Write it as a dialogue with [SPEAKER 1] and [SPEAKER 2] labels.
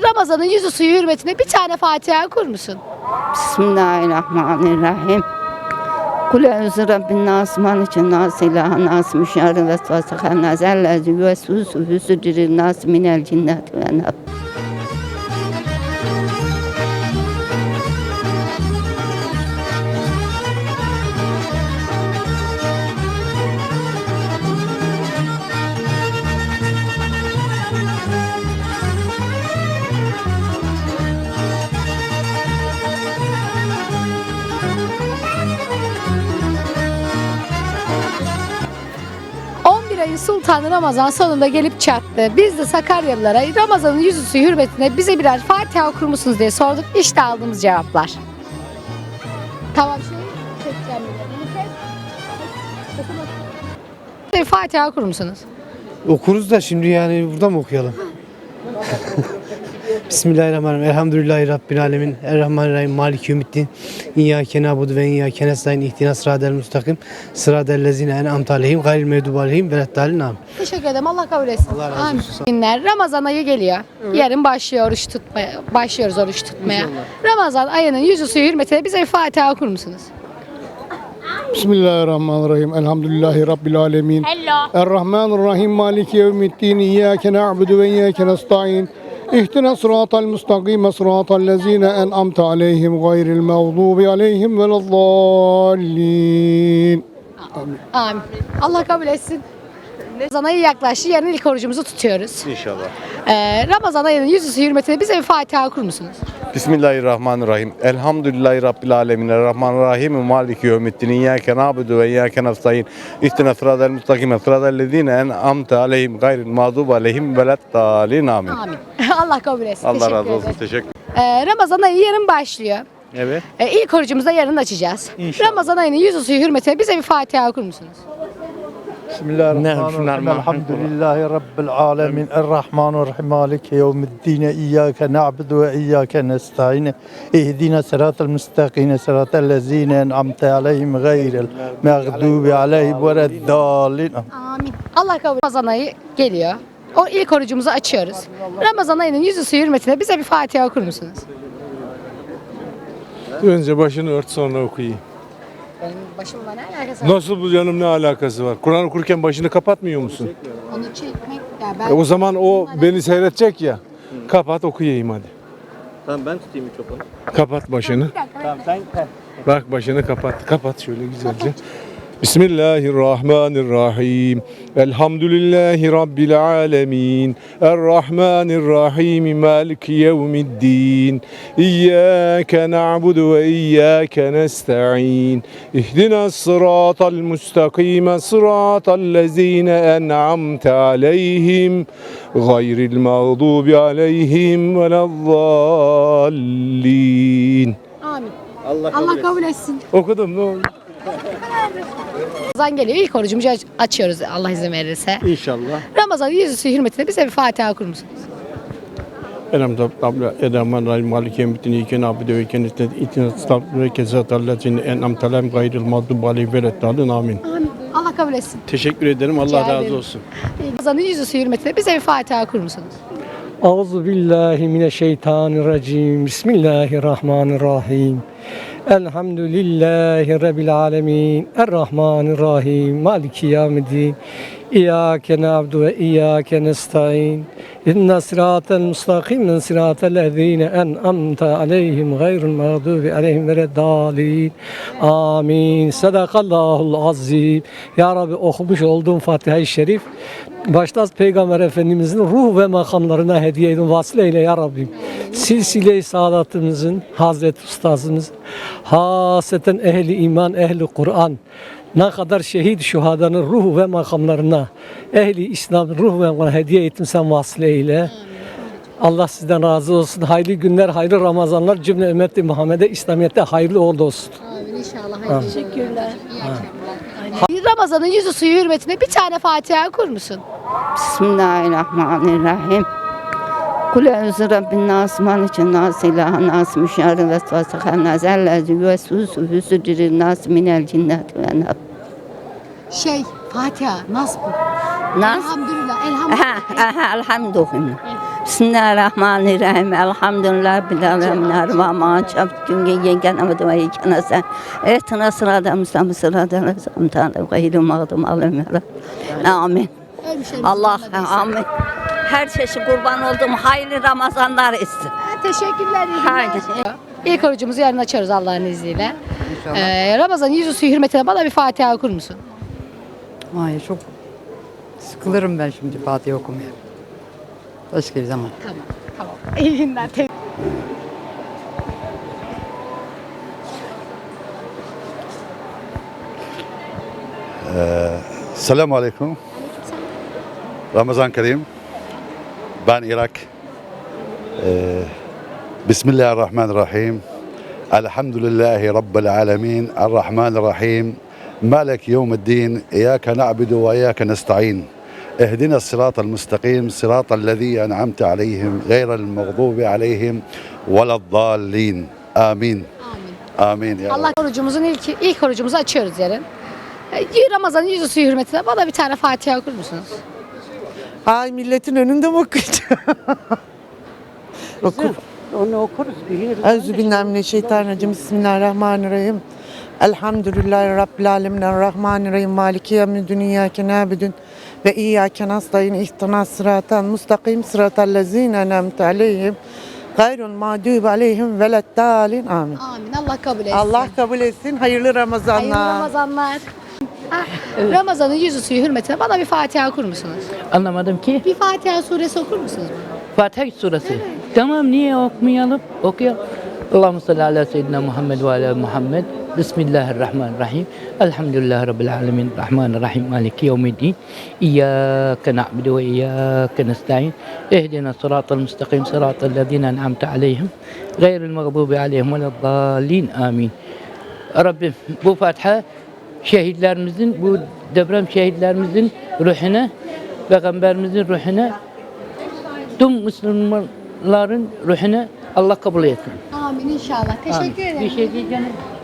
[SPEAKER 1] Ramazan'ın yüzü suyu hürmetine bir tane Fatiha okur musun?
[SPEAKER 2] Bismillahirrahmanirrahim. Kul eûzü rabbin nas, malikin nas, ilahen nas, müşerri vesvasıhan nas, ellezî yüvesvisu fî sudûrin nas minel cinneti ven nas.
[SPEAKER 1] Ayın Sultanı Ramazan sonunda gelip çattı. Biz de Sakaryalılara Ramazan'ın yüzü suyu hürmetine bize birer Fatiha okur musunuz diye sorduk. İşte aldığımız cevaplar. Tamam çekeceğim bir Fatiha okur musunuz?
[SPEAKER 3] Okuruz da şimdi yani burada mı okuyalım? Bismillahirrahmanirrahim. Elhamdülillahi Rabbil alemin. Errahmanirrahim. Maliki yevmiddin. İyyâke na'budu ve iyyâke nestaîn. İhdinas sıratal müstakim. Sıratal lezîne en'amte aleyhim gayril mağdubi aleyhim veleddâlin. Amin.
[SPEAKER 1] Teşekkür ederim. Allah kabul etsin.
[SPEAKER 3] Allah razı
[SPEAKER 1] Amin.
[SPEAKER 3] olsun.
[SPEAKER 1] Günler Ramazan ayı geliyor. Yarın başlıyor oruç tutmaya. Başlıyoruz oruç tutmaya. Ramazan ayının yüzü suyu hürmetine bize bir Fatiha okur musunuz?
[SPEAKER 4] Bismillahirrahmanirrahim. Elhamdülillahi Rabbil alemin. Errahmanirrahim. Maliki yevmiddin. İyyâke na'budu ve iyyâke nestaîn. İhdina sıratal müstakime sıratal lezîne en'amte aleyhim gayril mağdubi aleyhim veleddâllin.
[SPEAKER 1] Amin. Allah kabul etsin. Ramazan ayı yaklaştı. Yarın ilk orucumuzu tutuyoruz.
[SPEAKER 5] İnşallah.
[SPEAKER 1] Ramazan ayının yüzü suyu hürmetine bize bir Fatiha okur musunuz?
[SPEAKER 5] Bismillahirrahmanirrahim. Elhamdülillahi Rabbil alemin. Errahmanirrahim. Maliki yevmiddin. İyyâke na'budu ve iyyâke nestaîn. İhdina sıratal müstakime sıratal lezîne en'amte aleyhim gayril mağdubi aleyhim veleddâllin. Amin.
[SPEAKER 1] Amin. Allah kabul etsin.
[SPEAKER 5] Allah
[SPEAKER 1] Teşekkür
[SPEAKER 5] razı olsun.
[SPEAKER 1] ederim.
[SPEAKER 5] Teşekkür.
[SPEAKER 1] Ramazan ayı yarın başlıyor.
[SPEAKER 5] Evet.
[SPEAKER 1] İlk orucumuzu da yarın açacağız.
[SPEAKER 5] İnşallah.
[SPEAKER 1] Ramazan ayının yüzü suyu hürmetine bize bir Fatiha okur musunuz?
[SPEAKER 6] Bismillahirrahmanirrahim. Elhamdülillahi Rabbil alemin. Errahmanirrahim. Maliki yevmiddin. İyyâke na'budu ve iyyâke nestaîn. İhdina sıratal müstakîme sıratal lezîne en'amte aleyhim gayril mağdubi aleyhim veleddâllin.
[SPEAKER 1] Amin. Allah kabul etsin. Ramazan ayı geliyor. O ilk orucumuzu açıyoruz. Ramazan ayının yüzü suyu hürmetine bize bir Fatiha okur musunuz?
[SPEAKER 7] Önce başını ört sonra okuyayım.
[SPEAKER 1] Benim başımla ne alakası var?
[SPEAKER 7] Nasıl bu canım, ne alakası var? Kur'an okurken başını kapatmıyor musun?
[SPEAKER 1] Onu çekmek ya ben.
[SPEAKER 7] O zaman o beni seyredecek ya. Kapat okuyayım hadi.
[SPEAKER 3] Tamam ben tutayım mikrofonu.
[SPEAKER 7] Kapat başını.
[SPEAKER 6] Tamam sen
[SPEAKER 7] Bak başını kapat. Kapat şöyle güzelce. Bismillahirrahmanirrahim. Elhamdülillahi Rabbil alemin. Errahmanirrahim. Maliki yevmiddin. İyyâke na'budu ve iyyâke nestaîn. İhdina sıratal müstakime sıratal lezîne en'amte aleyhim gayril mağdubi aleyhim veleddâllin.
[SPEAKER 1] Amin. Allah kabul etsin.
[SPEAKER 7] Okudum, ne oldu?
[SPEAKER 1] Ramazan geliyor. İlk orucumuzu açıyoruz Allah izin verirse.
[SPEAKER 3] İnşallah.
[SPEAKER 1] Ramazan yüzü suyu hürmetine bize bir Fatiha okur musunuz?
[SPEAKER 6] Elhamdülillahi Maliki yevmiddin. İyyâke na'budu ve iyyâke nestaîn. İhdina sıratal lezîne en'amte aleyhim gayril mağdubi aleyhim veleddâllin. Amin.
[SPEAKER 1] Amin. Allah kabul etsin.
[SPEAKER 3] Teşekkür ederim. Allah
[SPEAKER 1] Rica
[SPEAKER 3] razı
[SPEAKER 1] ederim.
[SPEAKER 3] olsun.
[SPEAKER 1] Ramazan'ın yüzü suyu hürmetine bize bir Fatiha okur musunuz?
[SPEAKER 8] Euzu billahi mineşşeytanirracim. Bismillahirrahmanirrahim. Elhamdülillahi Rabbil alemin. Errahmanirrahim. Maliki yevmiddin. İyyâke na'budu ve iyyâke nestaîn. İhdinas sıratal müstakîme sıratal lezîne en'amte aleyhim gayril mağdubi aleyhim veleddâllin. Amin. Sadakallahul azim. Ya Rabbi, okumuş olduğum Fatiha-i Şerif başta Peygamber Efendimizin ruh ve makamlarına hediye edin, vasıl eyle ya Rabbim. Silsile-i saadatımızın, Hazreti Ustazımız, haseten ehli iman, ehli Kur'an, ne kadar şehit şuhadanın ruh ve makamlarına, ehli İslam'ın ruh ve makamlarına hediye ettin, sen vasıl eyle. Allah sizden razı olsun. Hayırlı günler, hayırlı Ramazanlar cümle ümmeti Muhammed'e, İslamiyet'te hayırlı uğurlu olsun.
[SPEAKER 1] Amin inşallah. Teşekkürler. Ramazan'ın yüzü suyu hürmetine bir tane Fatiha okur musun?
[SPEAKER 2] Bismillahirrahmanirrahim. Kul eûzü rabbin nas, malikin nas, ilahen nas, müşerri vesvasıhan nas, ellezî yüvesvisu fî sudûrin nas minel cinneti ven nas.
[SPEAKER 1] Fatiha, nas bu.
[SPEAKER 2] Nas?
[SPEAKER 1] Elhamdülillah,
[SPEAKER 2] Elhamdülillah. Bismillahirrahmanirrahim. Elhamdülillah bil alemin. Ervama çap günge yengen amadı ve ikana sen. Ehtına sırada müslam sırada lazım tanrı gayri mağdum alim. Amin. Allah amin. Her çeşit kurban olduğum hayırlı Ramazanlar etsin.
[SPEAKER 1] Teşekkürler.
[SPEAKER 2] Haydi.
[SPEAKER 1] İlk orucumuzu yarın açarız Allah'ın izniyle. Ramazan yüzüsü hürmetine bana bir Fatiha okur musun?
[SPEAKER 9] Hayır, çok sıkılırım ben şimdi Fatiha okumaya. Başka bir zaman.
[SPEAKER 1] Tamam. İyi günler.
[SPEAKER 10] Selamun Aleyküm. Ramazan Kerim. Ben Irak. Bismillahirrahmanirrahim. Elhamdülillahi Rabbil alemin. Errahmanirrahim. Malek yevmiddin. İyyâke na'budu ve iyyâke nesta'in. اهدنا الصراط المستقيم صراط الذين أنعمت عليهم غير المغضوب عليهم ولا الضالين آمين آمين يا
[SPEAKER 1] Allah orucumuzun ilk orucumuzu açıyoruz yarın. Ramazan'ın yüzüsü hürmetine bana bir tane Fatiha okur musunuz?
[SPEAKER 11] Ay milletin önünde mi okuyacağım? Oku.
[SPEAKER 2] Onu okuruz.
[SPEAKER 11] Euzubillahimineşşeytanirracim. Bismillahirrahmanirrahim. Elhamdülillahi Rabbil alemin. Errahmanirrahim. Maliki yevmiddin. İyyâke nâbudun ve iyyâke nestaîn. İhdinas sıratal mustakim. Sıratal lezîne en'amte aleyhim. Gayrul mağdûbi aleyhim veleddâlin. Amin.
[SPEAKER 1] Amin. Allah kabul etsin.
[SPEAKER 11] Allah kabul etsin. Hayırlı Ramazanlar.
[SPEAKER 1] Hayırlı Ramazanlar. Ramazan'ın yüzüsü hürmetine bana bir Fatiha okur musunuz?
[SPEAKER 12] Anlamadım ki.
[SPEAKER 1] Bir Fatiha suresi okur musunuz?
[SPEAKER 12] Fatiha suresi. Tamam, niye okmayalım? Okuyalım. Allahümme salli ala seyyidina Muhammed ve ala Muhammed. Bismillahirrahmanirrahim. Elhamdülillahi Rabbil alemin. Rahmanirrahim. Maliki yevmiddin. İyyâke na'budu ve iyyâke nesta'in. İhdina sıratal müstakim. Sıratal lezîne en'amte aleyhim. Gayril mağdubi aleyhim ve leddâlin. Amin. Rabbim bu Fatiha şehitlerimizin, bu deprem şehitlerimizin ruhuna, Peygamberimizin ruhuna, tüm Müslümanların ruhuna Allah kabul etsin.
[SPEAKER 1] Amin inşallah. Teşekkür ederim.
[SPEAKER 12] Bir şey diyeceğim.